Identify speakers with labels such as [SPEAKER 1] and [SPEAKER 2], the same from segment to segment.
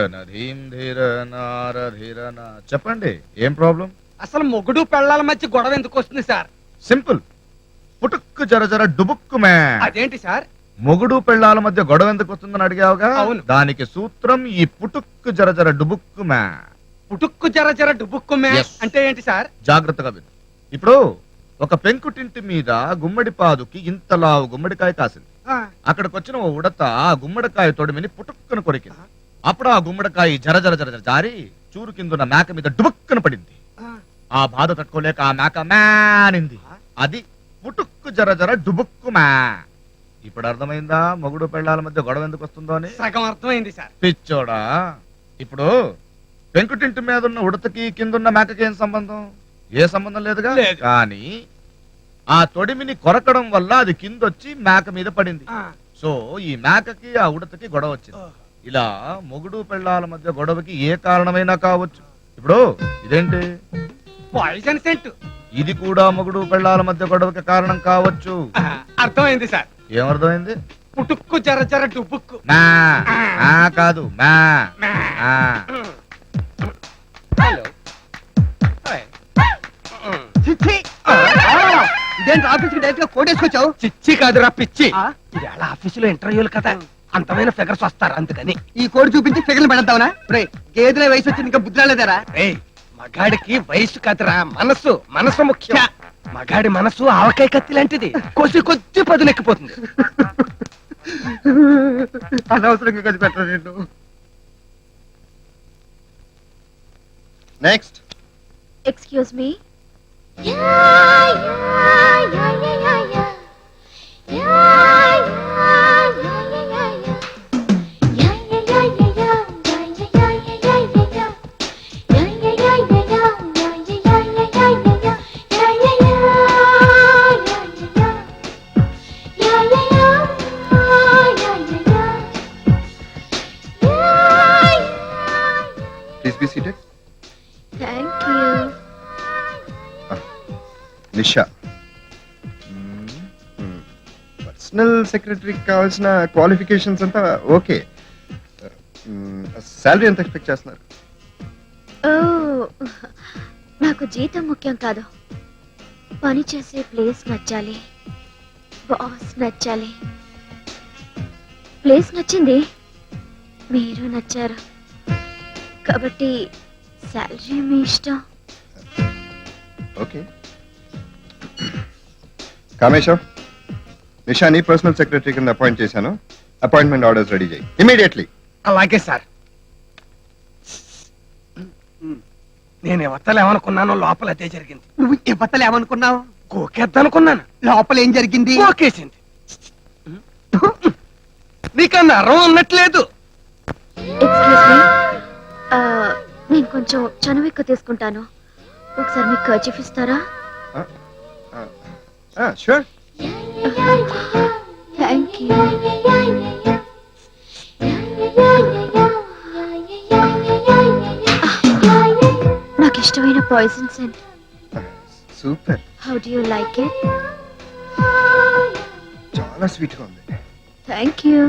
[SPEAKER 1] చెప్పండి, ఏం ప్రాబ్లం?
[SPEAKER 2] అసలు మొగుడు పెళ్ళాల మధ్య గొడవ ఎందుకు వస్తుంది సార్?
[SPEAKER 1] సింపుల్, పుటుక్కు జర జర డుబుక్కు మే.
[SPEAKER 2] అదేంటి సార్?
[SPEAKER 1] మొగుడు పెళ్ళాల మధ్య గొడవ ఎందుకు వస్తుందని అడిగావుగా?
[SPEAKER 2] అవును.
[SPEAKER 1] దానికి సూత్రం ఈ పుటుక్కు జర జర డుబుక్కు మే.
[SPEAKER 2] పుటుక్కు జర జర డుబుక్కు మే
[SPEAKER 1] Yes.
[SPEAKER 2] అంటే ఏంటి సార్?
[SPEAKER 1] జాగ్రత్తగా విను. ఇప్పుడు ఒక పెంకుటింటి మీద గుమ్మడి పాదుకి ఇంతలావు గుమ్మడికాయ కాసింది. అక్కడికి వచ్చిన ఓ ఉడత ఆ గుమ్మడికాయ తొడిమిని పుటుక్కును కొరికింది. అప్పుడు ఆ గుమ్మడికాయ జర జర జర జర జారి చూరు కిందున్న మేక మీద డుబుక్కును పడింది. ఆ బాధ తట్టుకోలేక ఆ మేక మేనింది. అది పుటుక్కు జర జర డుబుక్కు మే. ఇప్పుడు అర్థమైందా మొగుడు పెళ్ళాల మధ్య గొడవ ఎందుకు వస్తుందో అని?
[SPEAKER 2] సగం అర్థమైంది సార్.
[SPEAKER 1] పిచ్చోడా, ఇప్పుడు పెంకుటింటి మీద ఉన్న ఉడతకి కిందున్న మేకకి ఏం సంబంధం? ఏ సంబంధం లేదుగా.
[SPEAKER 2] లేదు.
[SPEAKER 1] కానీ ఆ తొడిమిని కొరకడం వల్ల అది కిందొచ్చి మేక మీద పడింది. సో ఈ మేకకి ఆ ఉడతకి గొడవ వచ్చింది. ఇలా మొగుడు పెళ్ళాల మధ్య గొడవకి ఏ కారణమైనా కావచ్చు. ఇప్పుడు ఇదేంటి?
[SPEAKER 2] Poison scent.
[SPEAKER 1] ఇది కూడా మొగుడు పెళ్ళాల మధ్య గొడవకి కారణం కావచ్చు.
[SPEAKER 2] అర్థమైంది సార్.
[SPEAKER 1] ఏమర్థమైంది?
[SPEAKER 2] పుటుక్కు జర జర డుబుక్కు.
[SPEAKER 1] మా ఆ కాదు మా ఆ.
[SPEAKER 2] హలో.
[SPEAKER 3] ఇదేంటి ఆఫీస్ కి డైరెక్ట్ గా కోటేసుకొచ్చావు?
[SPEAKER 2] చిచ్చి కాదురా పిచ్చి. ఇవాళ ఆఫీసులో ఇంటర్వ్యూలు కదా, అంతమైన ఫిగర్స్ వస్తారు అందుకని.
[SPEAKER 3] ఈ కోడి చూపించి ఫిగర్లు పెడతావునా? రే గేదెల వయసు వచ్చింది ఇంకా బుద్ధి రాలేదారా?
[SPEAKER 2] ఏయ్, మగాడికి వయసు కాదురా మనసు. మనసు ముఖ్యం. మగాడి మనసు ఆవకాయ కత్తి లాంటిది, కొద్ది పదునెక్కిపోతుంది.
[SPEAKER 3] అనవసరంగా కలిసి పెట్టరా నేను.
[SPEAKER 4] Next.
[SPEAKER 5] Excuse me.
[SPEAKER 4] Please be seated.
[SPEAKER 5] Thank you.
[SPEAKER 4] Nisha, personal సెక్రటరీకి కావాల్సిన క్వాలిఫికేషన్స్ అంతా ఓకే. శాలరీ ఎంత ఎక్స్పెక్ట్ చేస్తున్నారు?
[SPEAKER 5] Oh, నాకు జీతం ముఖ్యం కాదు, పని చేసే ప్లేస్ నచ్చాలి, బాస్ నచ్చాలి. ప్లేస్ నచ్చింది, మీరు నచ్చారు, కాబట్టి శాలరీ మీ ఇష్టం.
[SPEAKER 4] ఓకే. కామేశం, నిషాని పర్సనల్ సెక్రటరీ కింద అపాయింట్ చేశాను. అపాయింట్మెంట్ ఆర్డర్స్ రెడీ చేయి ఇమీడియట్లీ.
[SPEAKER 2] అలాగే సార్. నేను ఎవతలేమనుకున్నానో లోపల అదే జరిగింది.
[SPEAKER 3] నువ్వు ఇవ్వతలు ఏమనుకున్నావు?
[SPEAKER 2] కోకేద్దనుకున్నాను,
[SPEAKER 3] లోపల ఏం జరిగింది?
[SPEAKER 2] కోకేసింది. నీకన్నా అరం అన్నట్లేదు.
[SPEAKER 5] ఎక్స్క్యూజ్ మీ, నేను కొంచెం చనువు ఎక్కువ తీసుకుంటాను, ఒకసారి మీకు కర్చీఫ్ ఇస్తారా?
[SPEAKER 4] షూర్.
[SPEAKER 5] Thank you. నాకు ఇష్టమైన poison scent.
[SPEAKER 4] Super.
[SPEAKER 5] How do you like it?
[SPEAKER 4] చాలా స్వీట్ గా ఉంది.
[SPEAKER 5] Thank you.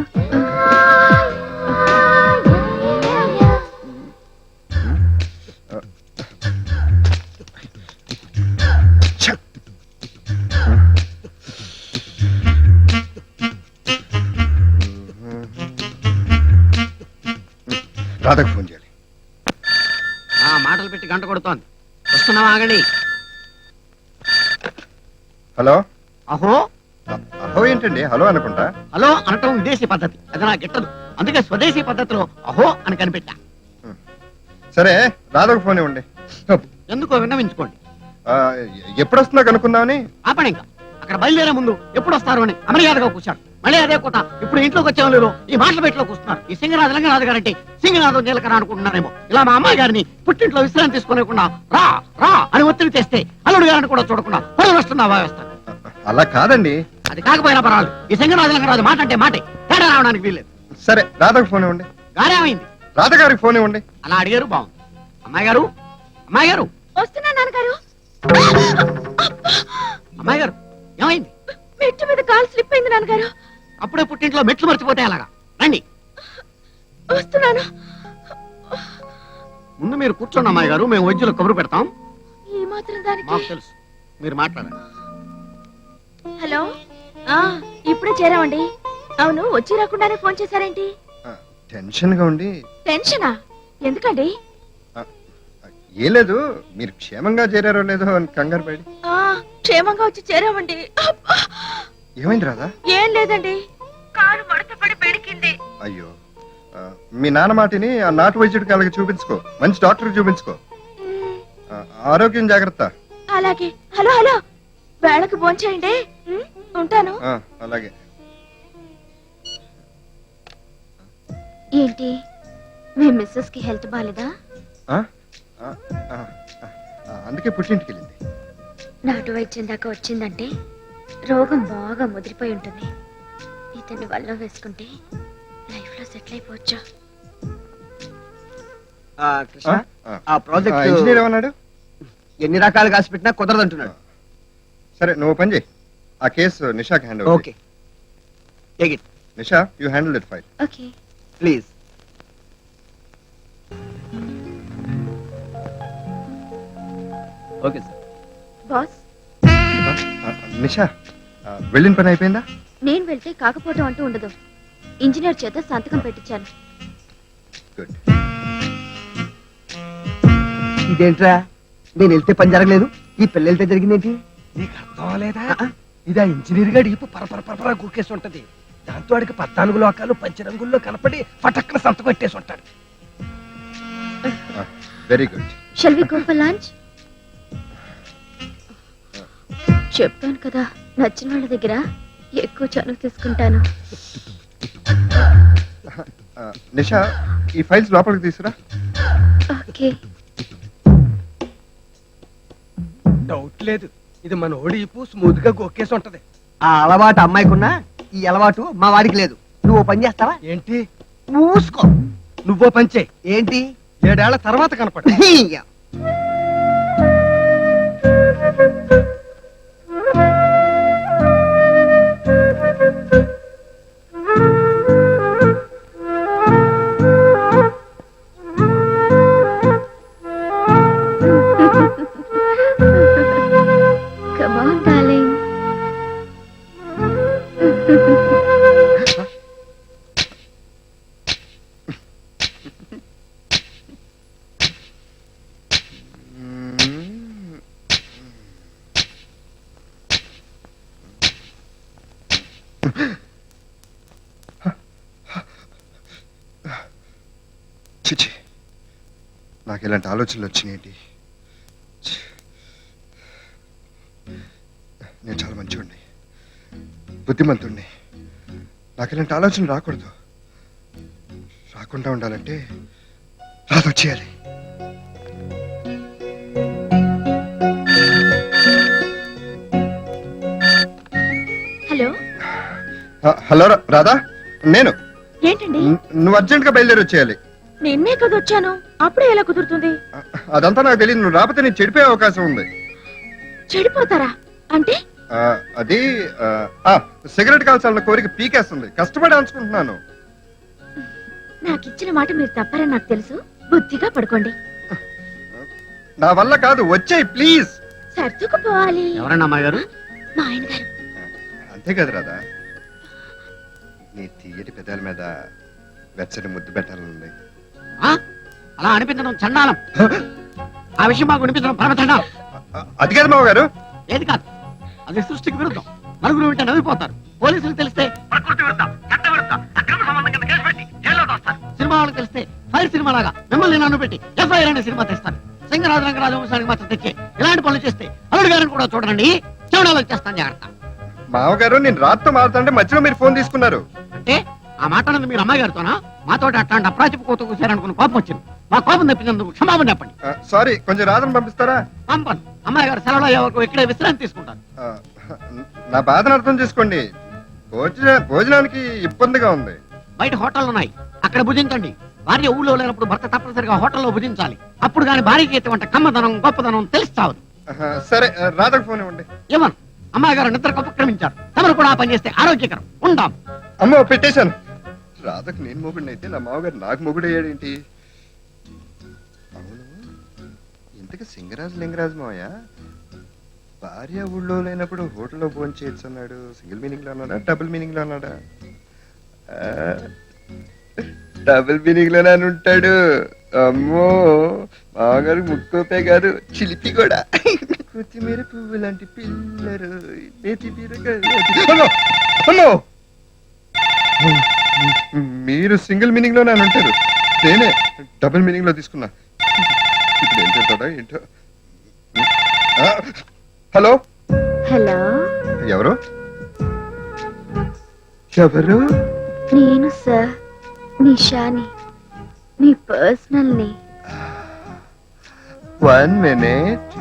[SPEAKER 4] రాధకు ఫోన్ చేయాలి.
[SPEAKER 2] మాటలు పెట్టి గంట కొడుతోంది. వస్తున్నావా? ఆగండి.
[SPEAKER 4] హలో.
[SPEAKER 2] అహో
[SPEAKER 4] అహో ఏంటండి? హలో అనుకుంటా.
[SPEAKER 2] హలో అనటం విదేశీ పద్ధతి, అది నాకు గిట్టదు. అందుకే స్వదేశీ పద్ధతిలో అహో అని కనిపెట్టా.
[SPEAKER 4] సరే, రాధకు ఫోన్ ఇవ్వండి.
[SPEAKER 2] ఎందుకో విన్నవించుకోండి.
[SPEAKER 4] ఎప్పుడు వస్తుందో కనుక్కుందామని.
[SPEAKER 2] ఆపండి. ఇంకా అక్కడ బయలుదేరే ముందు ఎప్పుడు వస్తారు అని అమర్యాదగా కూర్చాడు. మళ్ళీ అదే కొత్త. ఇప్పుడు ఇంట్లోకి వచ్చేవాళ్ళు ఈ మాటల బయటలో కూర్చున్నారు. ఈ సింగనాథ్ లింగనాథ్ గారంటే సింగనాథం నీలకరా అనుకుంటున్నారేమో. ఇలా మా అమ్మాయి గారిని పుట్టింట్లో విశ్రాంతి తీసుకోలేకుండా రా రా అని ఒత్తిడి తెస్తే అల్లుడు గారిని కూడా చూడకుండా పొలం వస్తున్నావా వేస్తాను.
[SPEAKER 4] అలా కాదండి.
[SPEAKER 2] అది కాకపోయినా పర్వాలేదు, ఈ సింగనాథ్ లింగనాథ్ మాట అంటే మాటే, తేడా రావడానికి వీల్లేదు.
[SPEAKER 4] సరే, రాధకు ఫోన్ ఇవ్వండి.
[SPEAKER 2] గారేమైంది?
[SPEAKER 4] రాధ గారికి ఫోన్ ఇవ్వండి.
[SPEAKER 2] అలా అడిగారు, బాగుంది. అమ్మాయి గారు, అమ్మాయి గారు,
[SPEAKER 5] వస్తున్నా నాన్నగారు.
[SPEAKER 2] అమ్మాయి గారు, ఏమైంది?
[SPEAKER 5] మెట్టు మీద కాలు స్లిప్ అయింది నాన్నగారు.
[SPEAKER 2] అప్పుడే పుట్టింట్లో మెట్లు మర్చిపోతే అలాగా. రండి.
[SPEAKER 5] వస్తున్నాను.
[SPEAKER 2] ముందు మీరు కూర్చోండి అమ్మాయి గారు, మేము వైద్యులు కబురు పెడతాం.
[SPEAKER 5] ఈ మాత్రం దానికి
[SPEAKER 2] మాకు తెలుసు, మీరు మాట్లాడండి.
[SPEAKER 5] హలో ఆ ఇప్పుడే చేరామండి. అవును, వచ్చి రాకుండానే ఫోన్ చేశారేంటి?
[SPEAKER 4] టెన్షన్ గా ఉండి.
[SPEAKER 5] టెన్షనా? ఎందుకండి?
[SPEAKER 4] ఏం లేదు, మీరు క్షేమంగా చేరారో లేదో అని కంగారు పడి.
[SPEAKER 5] ఆ క్షేమంగా వచ్చి చేరామండి. అబ్బా!
[SPEAKER 4] ఏమైంది రాదా?
[SPEAKER 5] ఏం లేదండి, కారు మడతపడి పెడికింది.
[SPEAKER 4] అయ్యో, మీ నాన్న మాటిని ఆ నాటు వైద్యుడికి అలాగే చూపించుకో, మంచి డాక్టర్ చూపించుకో. ఆరోగ్యం జాగ్రత్త.
[SPEAKER 5] అలాగే. హలో హలో, వేళకు భోంచేయండి. ఉంటాను.
[SPEAKER 4] అలాగే.
[SPEAKER 5] ఏంటి, మీ మిస్సెస్ కి హెల్త్ బాలేదా?
[SPEAKER 4] అందుకే పుట్టింటికి వెళ్ళింది.
[SPEAKER 5] నాటు వైద్యం దాకా వచ్చిందంటే రోగం బాగా ముదిరిపోయి ఉంటుంది. ఇతన్ని వల్ల వేసుకుంటే లైఫ్ లో సెటిల్ అయిపోవచ్చు.
[SPEAKER 3] కృష్ణ, ఆ ప్రాజెక్ట్
[SPEAKER 4] ఇంజనీర్ ఏమన్నాడు?
[SPEAKER 3] ఎన్ని రకాలు కాసి పెట్టినా కుదరదంటున్నాడు.
[SPEAKER 4] సరే, నువ్వు పని చేయి, ఆ కేసు నిషాకి hand over.
[SPEAKER 3] Okay, take it.
[SPEAKER 4] Nisha, you handle that file
[SPEAKER 5] okay.
[SPEAKER 3] Please. Okay sir.
[SPEAKER 5] Boss,
[SPEAKER 4] Nisha, వెళ్ళిన పని అయిపోయిందా?
[SPEAKER 5] నేను వెళ్తే కాకపోవడం అంటూ ఉండదు. ఇంజనీర్ చేత సంతకం పెట్టించాను.
[SPEAKER 4] గుడ్.
[SPEAKER 3] ఇదేంట్రా, నేను వెళ్తే పని జరగలేదు, ఈ పిల్ల వెళ్తే జరిగిందేంటి?
[SPEAKER 6] నీకు అర్థం అవ్వలేదా? ఇది ఆ ఇంజనీర్ గాడి ఇప్పు పరపర గురికేసి ఉంటది. దాంతో వాడికి 14 లోకాలు పంచరంగుల్లో కనపడి పటక్కన సంతకం పెట్టేసి ఉంటాడు.
[SPEAKER 4] Very good.
[SPEAKER 5] Shall we go for lunch? చెప్పాను కదా, నచ్చిన వాళ్ళ దగ్గర ఎక్కువ చనువు తీసుకుంటాను.
[SPEAKER 4] నిషా, ఈ ఫైల్స్ లోపలికి తీసుకురా.
[SPEAKER 5] ఓకే.
[SPEAKER 6] డౌట్ లేదు, ఇది మన ఓడి ఇప్పు స్మూత్ గా గొక్కేసి ఉంటది.
[SPEAKER 3] ఆ అలవాటు అమ్మాయికున్నా, ఈ అలవాటు మా వాడికి లేదు. నువ్వు ఓ పని చేస్తావా?
[SPEAKER 6] ఏంటి?
[SPEAKER 3] మూసుకో.
[SPEAKER 6] నువ్వో పంచే,
[SPEAKER 3] ఏంటి?
[SPEAKER 6] 7 ఏళ్ల తర్వాత కనపడ.
[SPEAKER 5] Come on, darling.
[SPEAKER 4] చిచి, నాకు ఇలాంటి ఆలోచనలు వచ్చినాయండి. నేను చాలా మంచివాడిని, బుద్ధిమంతుణ్ణి. నాకు ఇలాంటి ఆలోచనలు రాకూడదు. రాకుండా ఉండాలంటే రాదొచ్చేయాలి.
[SPEAKER 5] హలో.
[SPEAKER 4] హలో రాధా, నేను.
[SPEAKER 5] ఏంటండి?
[SPEAKER 4] నువ్వు అర్జెంట్ గా బయలుదేరి వచ్చేయాలి.
[SPEAKER 5] నిన్నే కదా వచ్చాను, అప్పుడే ఎలా కుదురుతుంది?
[SPEAKER 4] అదంతా నాకు తెలియదు. నువ్వు రాకపోతే నేను చెడిపోయే అవకాశం ఉంది.
[SPEAKER 5] చెడిపోతారా అంటే?
[SPEAKER 4] అది సిగరెట్ కాల్చాలన్న కోరిక పీకేస్తుంది, కష్టపడి అంచుకుంటున్నాను.
[SPEAKER 5] నాకు ఇచ్చిన మాట మీరు తప్పారని నాకు తెలుసు. బుద్ధిగా పడుకోండి.
[SPEAKER 4] నా వల్ల కాదు, వచ్చేయి ప్లీజ్.
[SPEAKER 5] సర్దుకుపోవాలి.
[SPEAKER 2] ఎవరన్నా అమ్మాయి గారు?
[SPEAKER 5] మా ఆయన గారు.
[SPEAKER 4] అంతే కదా రాదా, నీ తీయటి పెదాల మీద వెచ్చని ముద్దు పెట్టాలనుంది.
[SPEAKER 2] అలా అనిపించడం చండాలం. ఆ విషయం మాకు అనిపించడం పరమ చండాలం.
[SPEAKER 4] అది కాదు మావ గారు.
[SPEAKER 2] ఏది కాదు, అది సృష్టికి విరుద్ధం. నలుగురు వింటే నవ్విపోతారు. పోలీసులు తెలిస్తే ప్రకృతి విరుద్ధం, చట్ట విరుద్ధం, అక్రమ సంబంధం కింద కేసు పెట్టి జైల్లో తోస్తారు. సినిమా వాళ్ళకి తెలిస్తే ఫైర్ సినిమా లాగా మిమ్మల్ని నన్ను పెట్టి ఎఫ్ఐఆర్ అనే సినిమా తెస్తారు. సింగరాజు రంగరాజు వంశానికి మాత్రం తెచ్చి ఇలాంటి పనులు చేస్తే అల్లుడు గారిని కూడా చూడండి. చెవుడాలు వచ్చేస్తాను, జాగ్రత్త.
[SPEAKER 4] మావగారు, నేను రాత్రితో మారుతుంటే మధ్యలో మీరు ఫోన్ తీసుకున్నారు.
[SPEAKER 2] అంటే ఆ మాట అన్నది మీరు అమ్మాయి గారితోనా? మాతో అట్లాంటి అప్రాచిపు కోత కూర్చారనుకున్న కోపం వచ్చింది. మా కోపం తెప్పించేందుకు క్షమాపణ చెప్పండి.
[SPEAKER 4] సారీ, కొంచెం రాధను పంపిస్తారా?
[SPEAKER 2] పంపను. అమ్మాయి గారు సెలవులో అయ్యే వరకు ఇక్కడే విశ్రాంతి తీసుకుంటారు.
[SPEAKER 4] నా బాధను అర్థం చేసుకోండి. భోజనానికి ఇబ్బందిగా ఉంది.
[SPEAKER 2] బయట హోటల్ ఉన్నాయి, అక్కడ భుజించండి. భార్య ఊళ్ళో లేనప్పుడు భర్త తప్పనిసరిగా హోటల్లో భుజించాలి. అప్పుడు కానీ భార్యకి ఎటువంటి కమ్మదనం గొప్పదనం తెలుస్తావు.
[SPEAKER 4] సరే, రాధకు ఫోన్ ఇవ్వండి.
[SPEAKER 2] ఏమను, అమ్మాయి గారు నిద్రకు ఉపక్రమించారు. తమరు కూడా ఆ పని చేస్తే ఆరోగ్యకరం. ఉంటాం.
[SPEAKER 4] అమ్మో, పెట్టేశాను. రాధకు నేను మొగుడిని అయితే నా మామగారు నాకు మొగుడు అయ్యాడేంటి? ఇంతకీ సింగరాజు లింగరాజు మావయ్య భార్య ఊళ్ళో లేనప్పుడు హోటల్లో భోజనం చేయొచ్చు అన్నాడు. సింగిల్ మీనింగ్ లో అన్నాడా, డబుల్ మీనింగ్ లో అన్నాడా? డబుల్ మీనింగ్ లోనే అని ఉంటాడు. అమ్మో, మామగారు ముక్కోపే కాదు, చిలిపి కూడా. కొత్తిమీర పువ్వు లాంటి పిల్లరు, నేతి బీరకాయ. అమ్మో! మీరు సింగిల్ మీనింగ్ లోనే అని ఉంటారు, నేనే డబుల్ మీనింగ్ లో తీసుకున్నా. ఇప్పుడు ఏం చెప్తాడా ఏంటో. హలో
[SPEAKER 5] హలో,
[SPEAKER 4] ఎవరు? ఎవరు?
[SPEAKER 5] నేను సార్ నిషాని, మీ పర్సనల్ ని.
[SPEAKER 4] 1 minute.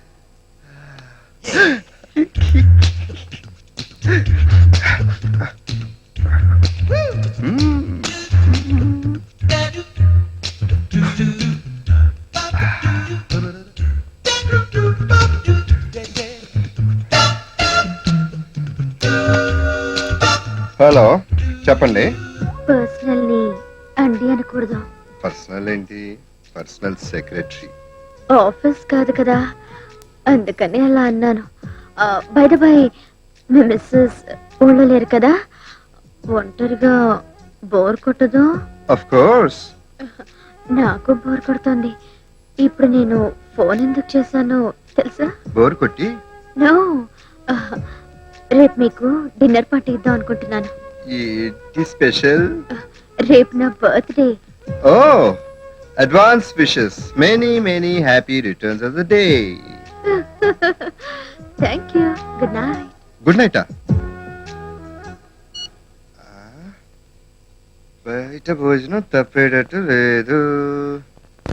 [SPEAKER 4] హలో, చెప్పండి.
[SPEAKER 5] పర్సనల్ ని అండి అనకూడదు.
[SPEAKER 4] పర్సనల్ ఏంటి? Personal secretary.
[SPEAKER 5] ఆఫీస్ కాదు కదా, అందుకని అలా అన్నాను. బై ద బై, మీ మిస్సెస్ ఊళ్ళో లేరు కదా, ఒంటరిగా బోర్ కొట్టదు?
[SPEAKER 4] Of course.
[SPEAKER 5] నాకు బోర్ కొడుతోంది. ఇప్పుడు నేను ఫోన్ ఎందుకు చేశానో తెలుసా?
[SPEAKER 4] బోర్ కొట్టి?
[SPEAKER 5] నో, రేపు మీకు డిన్నర్ పార్టీ ఇద్దాం అనుకుంటున్నాను.
[SPEAKER 4] ఏంటి స్పెషల్?
[SPEAKER 5] రేపు నా birthday.
[SPEAKER 4] Oh, advance wishes. Many many happy returns of the day.
[SPEAKER 5] Thank you. Good night.
[SPEAKER 4] Good night. బయట భోజనం తప్పేటట్టు లేదు.